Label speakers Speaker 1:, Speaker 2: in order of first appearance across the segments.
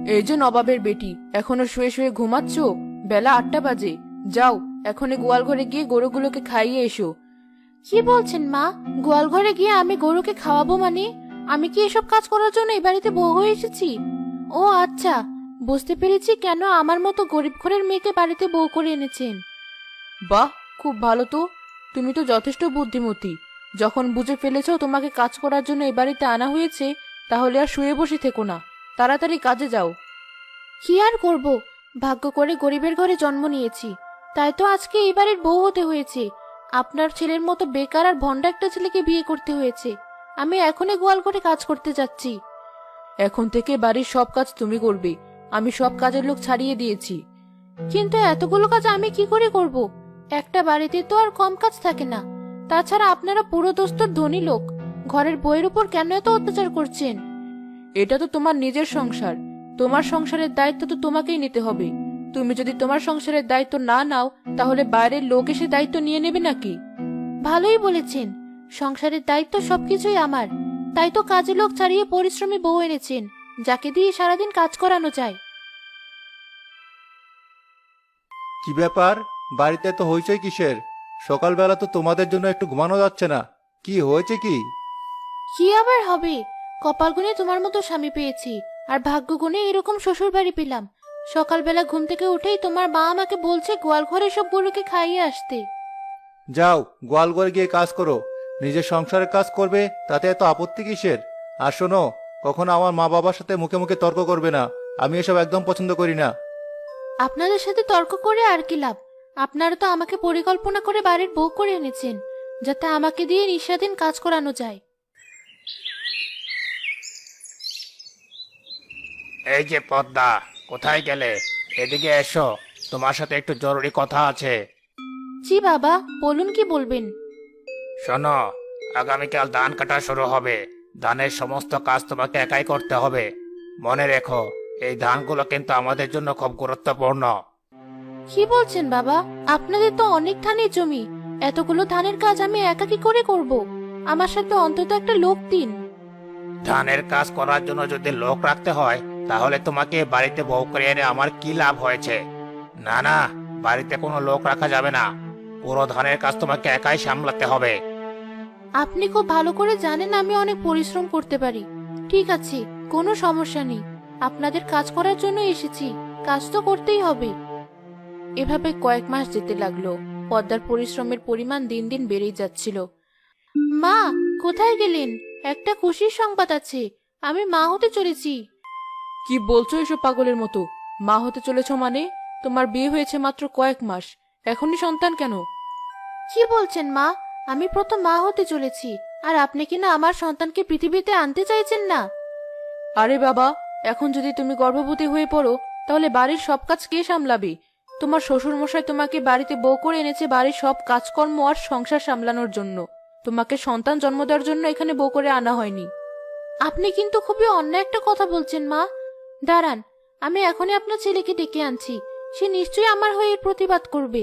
Speaker 1: এই যে নবাবের বেটি, এখনো শুয়ে শুয়ে ঘুমাচ্ছ? বেলা 8টা বাজে। যাও, এখনই গোয়াল ঘরে গিয়ে গরুগুলোকে খাইয়ে এসো। কি বলছেন মা? গোয়াল ঘরে গিয়ে আমি গরুকে খাওয়াবো মানে? আমি কি এসব কাজ করার জন্য এই বাড়িতে বউ হয়ে এসেছি? ও আচ্ছা, বুঝতে পেরেছি কেন আমার মতো গরিব ঘরের মেয়েকে বাড়িতে বউ করে এনেছেন। বাহ, খুব ভালো তো। তুমি তো যথেষ্ট বুদ্ধিমতী। যখন বুঝে ফেলেছো তোমাকে কাজ করার জন্য এই বাড়িতে আনা হয়েছে, তাহলে আর শুয়ে বসে থেকো না, তাড়াতাড়ি কাজে যাও। কি আর করব, ভাগ্য করে গরিবের ঘরে জন্ম নিয়েছি, তাই তো আজকে এই বাড়ির বউ হতে হয়েছে। আপনার ছেলের মতো বেকার আর ভন্ডা একটা ছেলেকে বিয়ে করতে হয়েছে। আমি এখনই গোয়াল ঘরে কাজ করতে যাচ্ছি। এখন থেকে বাড়ির সব কাজ তুমি করবে। আমি সব কাজের লোক ছাড়িয়ে দিয়েছি। কিন্তু এতগুলো কাজ আমি কি করে করব? একটা বাড়িতে তো আর কম কাজ থাকে না। তাছাড়া আপনারা পুরো দস্তুর ধনী লোক, ঘরের বউয়ের উপর কেন এত অত্যাচার করছেন? এটা তো তোমার নিজের সংসার, তোমার সংসারের দায়িত্ব তো তোমাকেই নিতে হবে। তুমি যদি তোমার সংসারের দায়িত্ব না নাও, তাহলে বাইরের লোক এসে দায়িত্ব নিয়ে নেবে নাকি? ভালোই বলেছেন, সংসারের দায়িত্ব সবকিছুই আমার। তাই তো কাজের লোক ছাড়িয়ে পরিশ্রমী বউ এনেছেন, যাকে দিয়ে সারাদিন কাজ করানো যায়।
Speaker 2: কি ব্যাপার? বাড়িতে তো হইচই কিসের? সকালবেলা তো তোমাদের জন্য একটু ঘুমানো যাচ্ছে না। কি হয়েছে কি?
Speaker 1: কি আবার হবে? কপাল গুনে তোমার মতো স্বামী পেয়েছি, আর ভাগ্য গুনে এরকম শ্বশুর বাড়ি পেলাম। সকালবেলা ঘুম থেকে উঠেই তোমার মা আমাকে বলছে গোয়াল ঘরে সব গরুকে খাইয়ে আসতে।
Speaker 2: যাও, গোয়াল ঘরে গিয়ে কাজ করো। নিজের সংসারের কাজ করবে, তাতে এত আপত্তি কিসের? আর শোনো, কখনো আমার মা বাবার সাথে মুখে মুখে তর্ক করবে না। আমি এসব একদম পছন্দ করি না।
Speaker 1: আপনাদের সাথে তর্ক করে আর কি লাভ? আপনারা তো আমাকে পরিকল্পনা করে বাড়ির বউ করে এনেছেন, যাতে আমাকে দিয়ে নিঃস্বাধীন কাজ করানো যায়।
Speaker 3: এই যে পদ্মা, কোথায় গেলে? এদিকে এসো, তোমার সাথে একটু জরুরি কথা আছে।
Speaker 1: জি বাবা, বলুন কি বলবেন।
Speaker 3: শোনো, আগামীকাল ধান কাটা শুরু হবে। ধানের সমস্ত কাজ তোমাকে একাই করতে হবে। মনে রেখো, এই ধানগুলো কিন্তু আমাদের জন্য খুব গুরুত্বপূর্ণ।
Speaker 1: কি বলছেন বাবা? আপনাদের তো অনেক ধানের জমি, এতগুলো ধানের কাজ আমি একা কি করে করব? আমার সাথে অন্তত একটা লোক দিন।
Speaker 3: ধানের কাজ করার জন্য যদি লোক রাখতে হয়, তাহলে তোমাকে বাড়িতে বউ করে এনে আমার কি লাভ হয়েছে? না না, বাড়িতে কোনো লোক রাখা যাবে না। পুরো ধানের কাজ তোমাকে একাই সামলাতে হবে।
Speaker 1: আপনি খুব ভালো করে জানেন আমি অনেক পরিশ্রম করতে পারি। ঠিক আছে, কোনো সমস্যা নেই। আপনাদের কাজ করার জন্য এসেছি, কাজ তো করতেই হবে। এভাবে কয়েক মাস যেতে লাগলো। পদ্মার পরিশ্রমের পরিমাণ দিন দিন বেড়েই যাচ্ছিল। মা, কোথায় গেলেন? একটা খুশির সংবাদ আছে, আমি মা হতে চলেছি। কি বলছো এসব পাগলের মতো? মা হতে চলেছ মানে? তোমার বিয়ে হয়েছে মাত্র কয়েক মাস, এখনই সন্তান কেন? কি বলছেন মা? আমি প্রথম মা হতে চলেছি, আর আপনি কিনা আমার সন্তানকে পৃথিবীতে আনতে চাইছেন না? আরে বাবা, এখন যদি তুমি গর্ভবতী হয়ে পড়ো, তাহলে বাড়ির সব কাজ কে সামলাবে? তোমার শ্বশুর মশাই তোমাকে বাড়িতে বউ করে এনেছে বাড়ির সব কাজকর্ম আর সংসার সামলানোর জন্য। তোমাকে সন্তান জন্ম দেওয়ার জন্য এখানে বউ করে আনা হয়নি। আপনি কিন্তু খুবই অন্যায় একটা কথা বলছেন মা। দাঁড়ান, আমি এখনই আপনার ছেলেকে ডেকে আনছি। সে নিশ্চয়ই আমার হয়ে এর প্রতিবাদ করবে।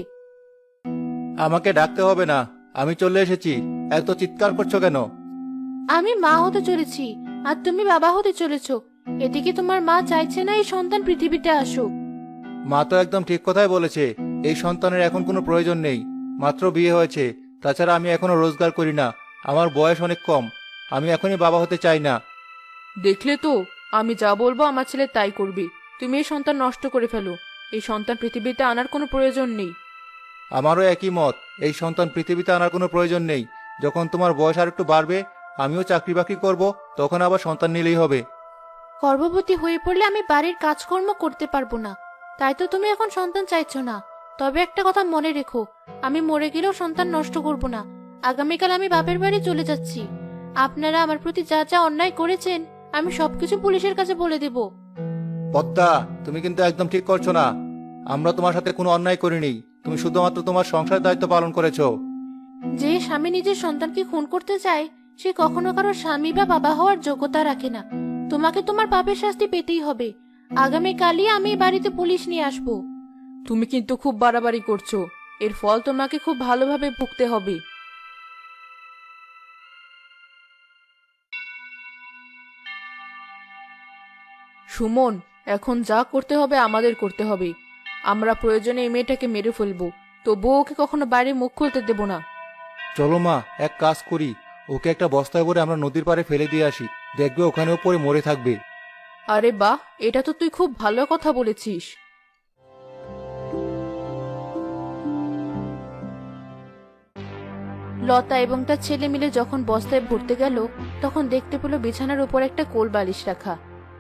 Speaker 2: আমাকে ডাকতে হবে না, আমি চলে এসেছি। এত চিৎকার করছো কেন?
Speaker 1: আমি মা হতে চলেছি, আর তুমি বাবা হতে চলেছো। এদিকে তোমার মা চাইছে না এই সন্তান পৃথিবীতে আসুক।
Speaker 2: মা তো একদম ঠিক কথাই বলেছে। এই সন্তানের এখন কোনো প্রয়োজন নেই। মাত্র বিয়ে হয়েছে। তাছাড়া আমি এখনো রোজগার করি না। আমার বয়স অনেক কম। আমি এখনই বাবা হতে চাই না।
Speaker 1: দেখলে তো, আমি যা বলবো আমার ছেলে তাই করবে। তুমি এই সন্তান নষ্ট করে ফেলো। এই সন্তান পৃথিবীতে আনার কোনো প্রয়োজন নেই।
Speaker 2: আমারও একই মত। এই সন্তান পৃথিবীতে আনার কোনো প্রয়োজন নেই। যখন তোমার বয়স আর একটু বাড়বে, আমিও চাকরি বাকরি করব, তখন আবার সন্তান নিলেই হবে।
Speaker 1: গর্ভবতী হয়ে পড়লে আমি বাড়ির কাজকর্ম করতে পারবো না। তাই তো তুমি এখন সন্তান চাইছো না। তবে একটা কথা মনে রেখো, আমি মরে গেলেও সন্তান নষ্ট করব না। আগামীকাল আমি বাপের বাড়ি চলে যাচ্ছি। আপনারা আমার প্রতি যা যা অন্যায় করেছেন, আমি সবকিছু পুলিশের কাছে বলে দেব।
Speaker 2: পদ্মা, তুমি কিন্তু একদম ঠিক করছো না। আমরা তোমার সাথে কোনো অন্যায় করিনি। তুমি শুধুমাত্র তোমার সংসার দায়িত্ব পালন করেছো।
Speaker 1: যে স্বামী নিজের সন্তানকে খুন করতে চায়, সে কখনো কারো স্বামী বা বাবা হওয়ার যোগ্যতা রাখে না। তোমাকে তোমার পাপের শাস্তি পেতেই হবে। আগামীকালই আমি এই বাড়িতে পুলিশ নিয়ে আসব। তুমি কিন্তু খুব বাড়াবাড়ি করছো। এর ফল তোমাকে খুব ভালোভাবে ভুগতে হবে। সুমন, এখন যা করতে হবে আমাদের করতে হবে। আমরা প্রয়োজনে এই মেয়েটাকে মেরে ফেলবো, তবুও ওকে কখনো বাইরে মুখ খুলতে দেব না।
Speaker 2: চলো মা, এক কাজ করি, ওকে একটা বস্তায় ভরে আমরা নদীর পাড়ে ফেলে দিয়ে আসি, দেখবে ওখানেও পড়ে মরে থাকবে।
Speaker 1: আরে বাহ, এটা তো তুই খুব ভালো কথা বলেছিস। লতা এবং তার ছেলে মিলে যখন বস্তায় ভরতে গেল, তখন দেখতে পেল বিছানার উপর একটা কোল বালিশ রাখা।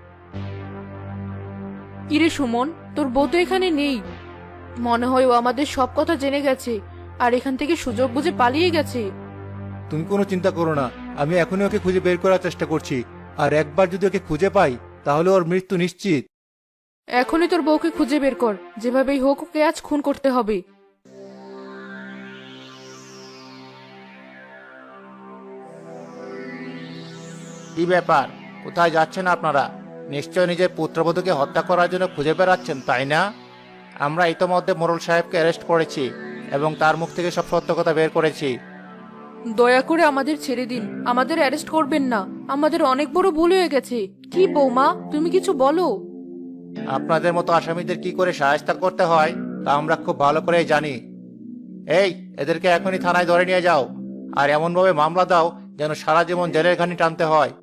Speaker 1: কিরে সুমন, তোর বউ তো এখানে নেই। মনে হয় ও আমাদের সব কথা জেনে গেছে আর এখান থেকে সুযোগ বুঝে পালিয়ে গেছে।
Speaker 2: তুমি কোনো চিন্তা করো না, আমি এখনই ওকে খুঁজে বের করার চেষ্টা করছি। আর একবার যদি ওকে খুঁজে পাই তাহলে ওর মৃত্যু নিশ্চিত।
Speaker 1: এখনই তোর বউকে খুঁজে বের কর, যেভাবেই হোক ওকে আজ খুন করতে হবে।
Speaker 3: কি ব্যাপার, কোথায় যাচ্ছেন আপনারা? নিশ্চয় নিজের পুত্রবধূকে হত্যা করার জন্য খুঁজে বেড়াচ্ছেন, তাই না? আমরা ইতোমধ্যে মোড়ল সাহেবকে অ্যারেস্ট করেছি এবং তার মুখ থেকে সব সত্য কথা বের করেছি।
Speaker 1: দয়া করে আমাদের ছেড়ে দিন, আমাদের অ্যারেস্ট করবেন না। আমাদের অনেক বড় ভুল হয়ে গেছে। কি বৌমা, তুমি কিছু বলো।
Speaker 3: আপনাদের মতো আসামিদের কি করে সাহায্য করতে হয় তা আমরা খুব ভালো করেই জানি। এই, এদেরকে এখনই থানায় ধরে নিয়ে যাও আর এমনভাবে মামলা দাও যেন সারা জীবন জেলের ঘানি টানতে হয়।